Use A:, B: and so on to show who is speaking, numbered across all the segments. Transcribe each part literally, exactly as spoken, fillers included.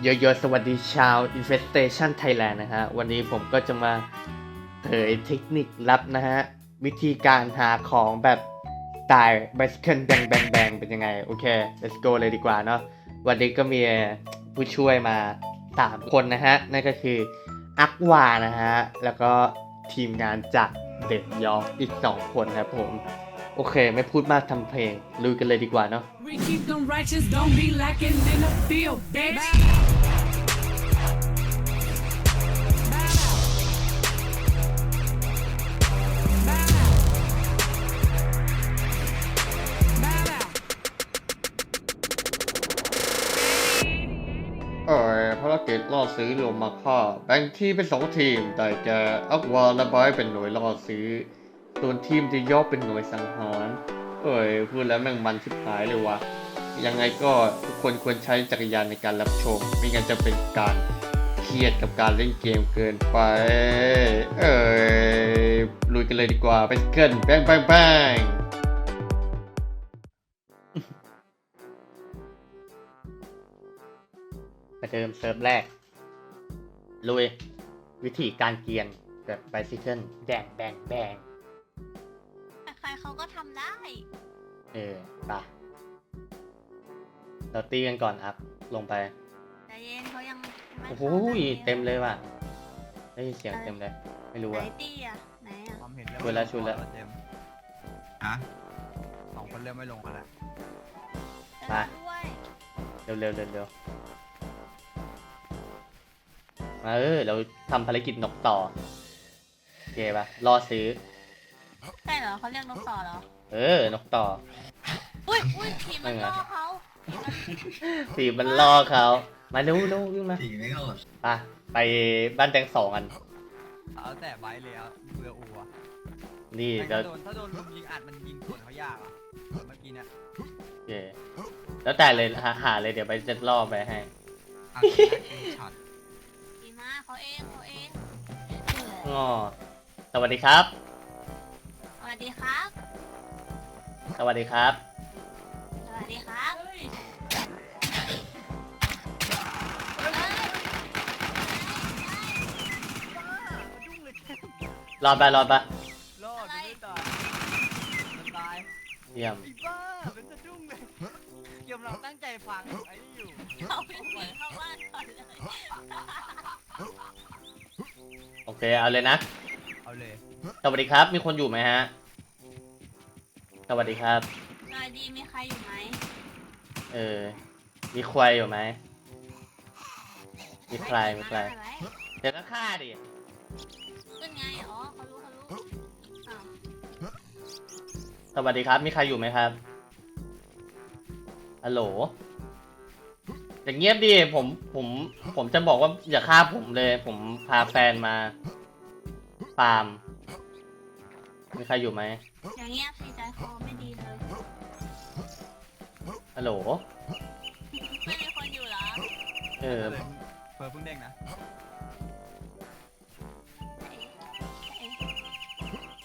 A: โยโย่สวัสดีชาว Infestation Thailand นะฮะวันนี้ผมก็จะมาเผยเทคนิคลับนะฮะวิธีการหาของแบบสไตล์ Bicycle Bang Bang Bang เป็นยังไงโอเค let's go เลยดีกว่าเนาะวันนี้ก็มีผู้ช่วยมาสามคนนะฮะนั่นก็คืออักวานะฮะแล้วก็ทีมงานจากเด็ดยอร์กอีกสองคนครับผมโอเคไม่พูดมากทำเพลงลุยกันเลยดีกว่าเนาะ
B: We keep them righteous, don't be lacking in the field, bitch.
A: เอ่อภารกิจล่อซื้อลงมาค่าแบ่งทีมเป็นสองทีมแต่แกอักวาและไบร์ทเป็นหน่วยล่อซื้อส่วนทีมจะย่อเป็นหน่วยสังหารเอ้ยพูดแล้วแม่งมันชิบหายเลยวะยังไงก็ทุกคนควรใช้จักรยานในการรับชมไม่งั้นจะเป็นการเครียดกับการเล่นเกมเกินไปเอ้ยลุยกันเลยดีกว่าไปเกินแบงแบงแบงประเดิมเซิร์ฟแรกลุยวิธีการเกียนแบบไบซิเคิลแดงแบงแบง
C: ใครๆเขาก็ทำได้
A: เออไปเราตีกันก่อนอัพลงไป
C: แต่เย็นเขายังไม่
A: โอ้โห
C: ข้า
A: เต็มเลยว่ะได้ยินเสียงเต็มเลยไม่รู้
C: ไหน
A: อ่ะ
C: ตี้อ่ะไหนอ่ะ
D: ความเห็น
A: ชวนแล้วชวนแล้ว
D: เต็ม
E: ฮะ
D: สองคนเริ่มไม่ลงกันแล้ว
A: มา
C: เออด้วย
A: เร็วเร็วเร็วเร็วมาเออเราทำภารกิจนกต่อโอเคป่ะรอซื้อ
C: ใช่เหรอเขาเรียกนกต่อเหรอ
A: เออนกต่อ
C: อุ้ยอุ้ยผีมัน
A: ไม่ไง
C: ล่อเขา
A: สีมันล่อเขามาเร็วเร็ววิ่งมา
E: ตีไม่เข้า
A: ไปไปบ้านแตงสองกัน
D: เอาแต่ไบท์เลยเอาเรืออัว
A: นี่
D: แต่
A: เดี๋ยว
D: ถ้าโดนถ้าโดนลุมยิงอัดมันยิงสวนเขายากอ่ะเมื่อกี้เนี่ย
A: โอเคแล้วแต่เลยหาหาเลยเดี๋ยวไปจะล่อไปให้
E: อากินักกินช็อต
C: ผีมาเขาเองเขาเอง
A: อ๋อสวัสดีครับ
C: สวัสดีครับ
A: สวัสดีครับ
C: สวัสดีครับเฮ้ย
A: รอดไปรอดไป
D: รอดไม่ตายมันตาย
A: เยี่ยม
D: ไอ้บ้าเป็นสะดุ้งเลยเกมเราตั้งใจฟังไอ้นี่อยู่
C: เขาไม่หนีเข้าบ้านก่อนเลย
A: โอเคเอาเลยนะ
D: เอาเลย
A: สวัสดีครับ มีคนอยู่ไหมฮะ สวัสดีครับ
C: นายดีมีใครอยู่ไหม
A: เออ มีควายอยู่ไหม มีใครมีใคร
C: ไว้
A: เดี๋ยวก็ฆ่าดิ
C: ขึ้นไงอ๋อเขารู้เขารู้อ้าว
A: สวัสดีครับ มีใครอยู่ไหมครับฮัลโหลอย่างเงียบดิ ผม ผม ผมจะบอกว่าอย่าฆ่าผมเลย ผมพาแฟนมาฟาร์ม มีใครอยู่ไหม
C: อย่างเงียบสิใจคอไม่ดีเลย
A: ฮัลโหล
C: ไม่มีคนอยู่เหรอ
A: เออ
D: เฟิร์เพิ่งเด้งนะ
C: เอ๊ะเอ๊ะ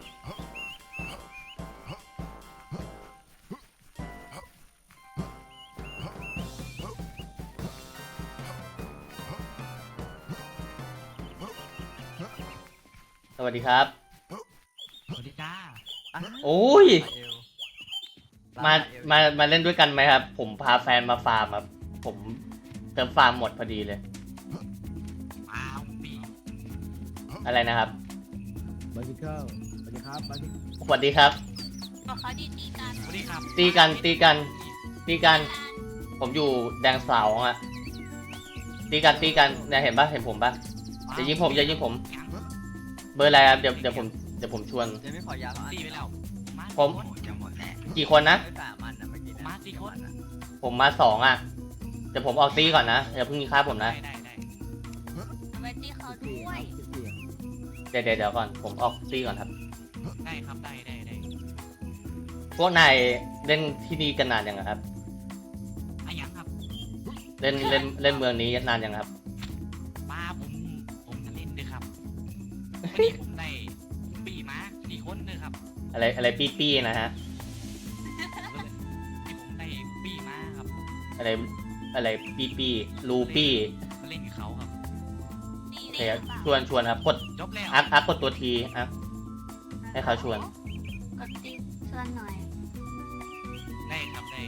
A: สวัสดีครับ
E: สวัสดีจ้า
D: อ่ะ
A: โอ้ย
D: เอว
A: มา
D: เอว
A: มา มาเล่นด้วยกันไหมครับ ผมพาแฟนมาฟาร์มครับ ผมเติมฟาร์มหมดพอดีเลย
E: อ้าวปี
A: อะไรนะครับ
F: บาสิเคิลสวัสดีครับบาสิ
A: สวัสดีครับ
C: บอกเขาดีตีกัน
E: สวัสดีครับ
A: ตีกัน ตีกัน ตีกัน ผมอยู่แดงสาวอ่ะ ตีกัน ตีกันเนี่ยเห็นปะเห็นผมปะอย่ายิงผม อย่ายิงผม เบอร์อะไรครับ เดี๋ยว เดี๋ยวผม เดี๋ยวผมชวน
D: เดี๋ยวไม่ขอยาแล้วอัน
E: ตีไปแล้ว
A: ผม
E: จะหมดแล้ว
A: กี่คนนะ
D: ไม่สามอันนะเมื่อกี้เนะ
E: มาสี่คน
A: ผมมาสองอ่ะ เดี๋ยวผมออกตีก่อนนะ อย่าเพิ่งฆ่าผม
E: ได้
A: นะ
E: ได้ได้
C: ไว้ตีเขา
F: สิบสี่
C: ด้ว
F: ครั
C: ย
F: บสิบสี่
A: เดี๋ยวเดี๋ยวเดี๋ยวก่อน ผมออกตีก่อนครับ
E: ได้ครับได้ได้ได้
A: พวกนายเล่นที่นี่กันนานยังอะครับ
E: อะยังครับ
A: เล่น เล่น เล่นเมืองนี้นานยังครับ
E: มาผมผมจะเล่นด้วยครับวันนี้ผมได้ปีมาสี่คนด้วยครับ
A: อะไร อะไรปี้ๆนะฮะ
E: ที่ผมได้ปีมาครับ
A: อะไรอะไรปีปีลูปี้
E: มาเล่นกับเขาครับ
C: นี่
A: โอเค
C: นี่
A: ครับ
C: หรือเปล่า
A: ชวนชวนครับกด
E: จบแล้ว
A: อักอักกดตัวทีอักให้เขาชวน
C: กดติ๊กชวนหน่อย
E: ได้ครับได้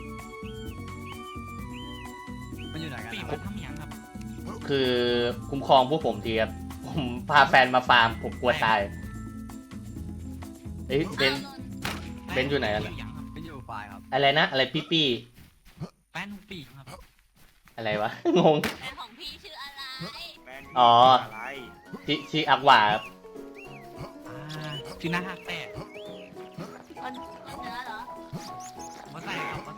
D: มันอยู่ไหนกัน
E: ปี
D: นะ
E: มาทำหยังครับ
A: คือคุ้มครองพวกผมทีครับผมพาแฟนมาฟาร์มผมกลัวตายเอ้ยเบน
C: อ้าว
A: เบนอยู่ไหนกัน
E: อ
A: อะ
E: ยู่หยังครับ
D: ไม่อยู่ไฟล์ครับ
A: อะไรนะอะไรปีปี
E: แฟนของปีครับ
A: อะไรวะ งง
C: แฟนของพี่ชื่ออะไร
A: อ๋อชิชิอักวาครับ
E: อ่าชื่อหน้าฮักแต่
C: คนคนเหนือเหรอ
E: มาใส่ครับมาใส่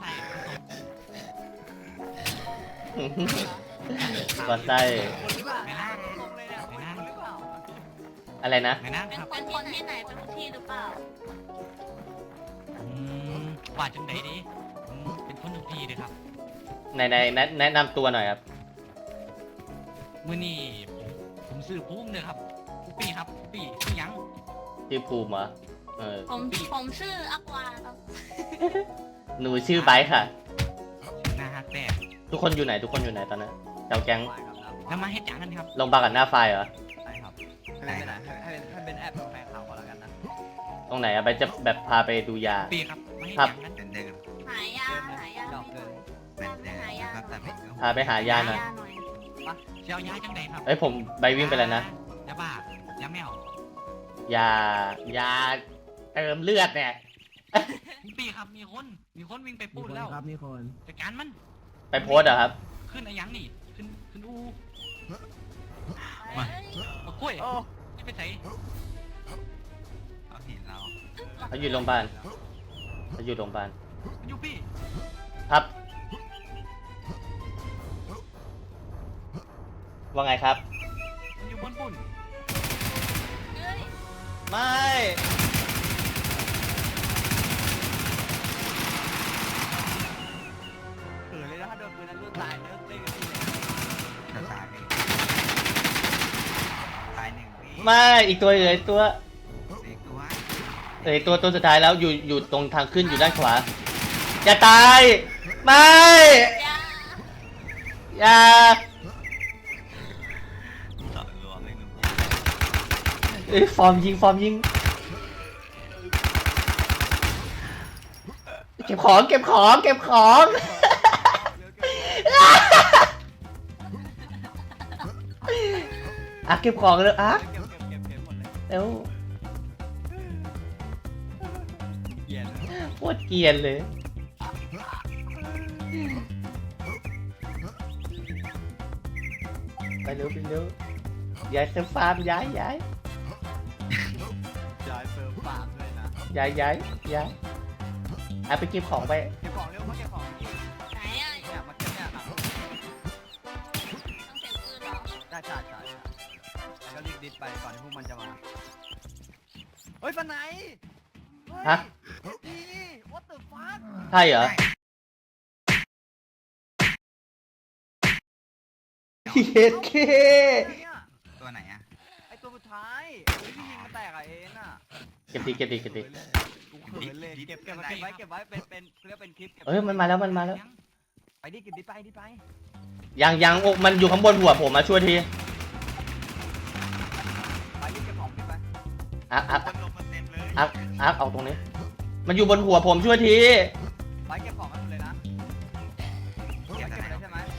A: ก็ใช่
D: คนหรือเปล่า
E: ไม่น่า
D: ลงเลยเนี่ยคนหรือเปล่า
A: อะไรนะ
E: ไม่น่า
C: เป็น
E: ครับ
C: คนคนที่ไหนเป็นคนที่หรือเปล่า
E: อืมว่าจังไหนดีผมเป็นคนทุกทีเลยครับ
A: ในในแนะแนะนำตัวหน่อยครับ
E: มื่อนี้ผมผมซื้อปุ้มเลยครับปุ๊ปีครับปุ๊ปีชื่อหยัง
A: ชื่อภูมิเหรอเออ
C: ผมผมชื่ออักวาครับ
A: หนูชื่อไบค์ค่ะ
E: ชื่อหน้าฮักแต่
A: ทุกคนอยู่ไหนทุกคนอยู่ไหนตอนนั้นเจ้าแก๊ง
D: ไฟล์ครับนะ
E: แล้วมาเฮ็ดหยังกันครับ
A: ลงบากับหน้าไฟเหรอ
D: ใช่ครับให้เป็นให้ให้เป็นให้เป็นแอปของแฟนข่าวก็แล้วกันนะ
A: ตรงไหนอะไปจะแบบพาไปดูยา
E: ปีครับมาเฮ็ด
A: ครั
E: ห
A: บ
E: ยังกัน
G: เดิม
C: หายาหายา
D: ดอกเกิน
G: เหมือนเดิมนะครับแต่เป็น
A: พาไปหายาหน่อย
C: หน่อย
E: เชียวยาจังไหนครับ
A: เอ้ยผมใบวิ่งไปแล้วนะ
E: ยาบ้ายาแมวย
A: ายาเติมเลือดเนี่ย
E: ปุ๊ปีครับมีคนมีคนวิ่งไป
F: มี
E: พูด
F: คน
E: แล้ว
F: ครับมีคน
E: จัดการมัน
A: ไปโพสต์เหรอครับ
E: ขึ้นอะไรยังนี่ขึ้นขึ้นอู
C: มา
E: มากล้วย
D: โอ้
E: ไม่ไปใส่
G: เขาเห็นเรา
A: เขาอยู่โรงพยาบาลเขาอยู่โรงพยาบาล
E: มันอยู่พี่
A: ครับ ว่าไงครับ
E: มันอยู่บนปุ่น
C: เฮ้ย
A: ไม่
D: เขินเลยนะถ้าโดนปืนนั้นเลือดตายเลิกเล่นกันทีเลย
G: จะตายไปตายหนึ่งพี่
A: ไม่อีกตัวเหลืออีกตัว
G: เด็กตัว
A: เหลืออีกตัวตัวสุดท้ายแล้วอยู่อยู่ตรงทางขึ้นอยู่ด้านขวาอย่าตาย ไม่
C: ยา
A: อย่า
G: ต่อรวมเลยหนุ่ม
A: เอ้ยฟอร์มยิงฟอร์มยิงเก็บของเก็บของเก็บของอ่ะเก็บของเลยอ่ะ
D: เก็บเก็บเก็บเก็บหมดเลย
A: เร็ว
D: เย็น
A: โคตรเกรียนเลยไปเร็วไปเร็วย้ายเซฟฟาร์มย้ายย้าย
D: จอยเฟิร์มปากด้วยนะ
A: ย้ายย้ายย้ายอ่ะไปเก็บของไป
D: เก็บของเร็วมาเก็บของนี่
C: ไหนอ่ะ
D: เนี่ยมาเก็บเนี่ยครับ
C: ต้องเสียงปืนเหรอ
D: ได้ใช่ใช่แล้วก็รีบดิบไปก่อนที่พวกมันจะมาเฮ้ยฟันไหนเฮ้ย
A: ฮะ
D: นี่ what the fuck
A: ใช่เหรอเฮ็ดเค
D: เนี่ย
G: ตัวไหนอ่ะ
D: ไอตัวสุดท้ายไอ้ที่ยิงมันแตกอะเอ็นอะ
A: เก็บดีเก็บดีเก็บดี
D: กูเขินเลยเก็บเก็บเก็บไว้เก็บไว้เป็นเป็นเรียกเป็นคลิปก็บ
A: เอ้ยมันมาแล้วมันมาแล้ว
D: ไปดิเก็บดิไปดิไป
A: ยังยังอกมันอยู่ข้างบนหัวผมมาช่วยที
D: ไปดิเก็บของดิไป
A: อักอัก
G: คนลงมาเต็มเลย
A: อักอักเอาตรงนี้ มันอยู่บนหัวผมช่วยที
D: ไปเก็บของมันหมดเลยนะไป
G: เก็บ
D: เก็บ
G: อะไร
D: เลยใช่ไหม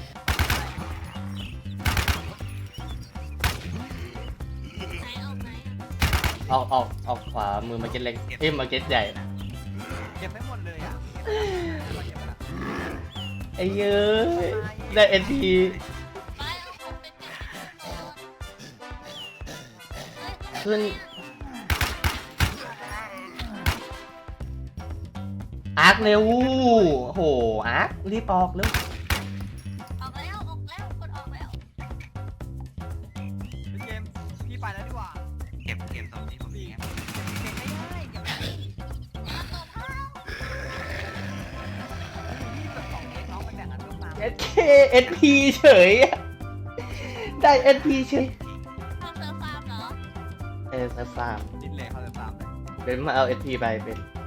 C: ไหนเอาไหน
A: ออกออกออกขวามือมาเก็ตเล็กเอ้ยมาเก็ตใหญ่
D: เก็บไม่หมดเลยอ่ะเก็บไปละ
A: ไอ้เย้ยได้เอ็นที
C: ไปเอาผมไปเก็บเฮ้ย
A: ขึ้นอาร์คเร็วโหอาร์ครีบออกเร็ว
C: ออกแล้วออกแล้วกดออกแล้ว
D: พี่เกมพี่ไปแล้วดีกว่า
G: เก็บเก็บตรงนี้ผมมีครับ
D: เก็บไม่ได้เก็บไม่ได้
C: มาตบเข้า
D: พี่แบบสองเอ็กน้องไปแบ่งกันลูกมา
A: เอสเคเอ็นพีเฉยอะได้เอ็นพีเฉย
C: เข้าเซิร์ฟฟาร์มเหรอ
A: เออซัฟฟาร์ม
D: ดิ้นเลยเขาเลยตามเลย
A: เป็นมาเอาเอ็นพีไปเป็น